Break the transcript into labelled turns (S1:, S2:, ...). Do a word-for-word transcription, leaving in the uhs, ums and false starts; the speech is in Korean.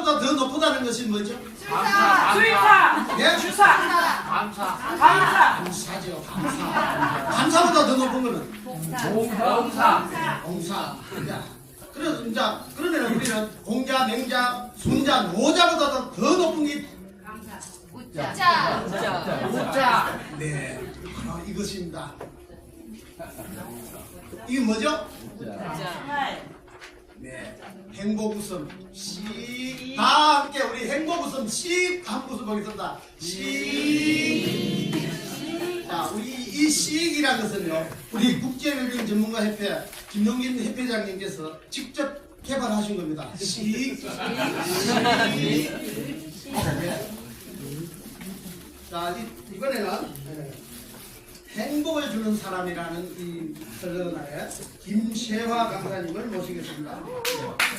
S1: 감사보다 더 높다는 것이 뭐죠?
S2: 감사. 수의사.
S1: 예?
S2: 주사.
S3: 감사.
S2: 감사.
S1: 감사죠. 감사. 감사보다 더 높은 거는
S3: 봉사.
S1: 공사. 자, 그래서 이제 그러면 우리는 공자, 맹자, 순자, 노자보다 더 높은 게
S4: 자.
S3: 우자.
S1: 네, 바로 이것입니다. 이게 뭐죠? 네, 행복 웃음 시. 다 함께 우리 행복 웃음 시 한번 웃음 보겠습니다. 시. 자, 우리 이 시익이라는 것은요, 우리 국제웰빙 전문가 협회 김용진 협회장님께서 직접 개발하신 겁니다. 시익. 자, 이, 이번에는 행복을 주는 사람이라는 이 슬로건에 김세화 강사님을 모시겠습니다.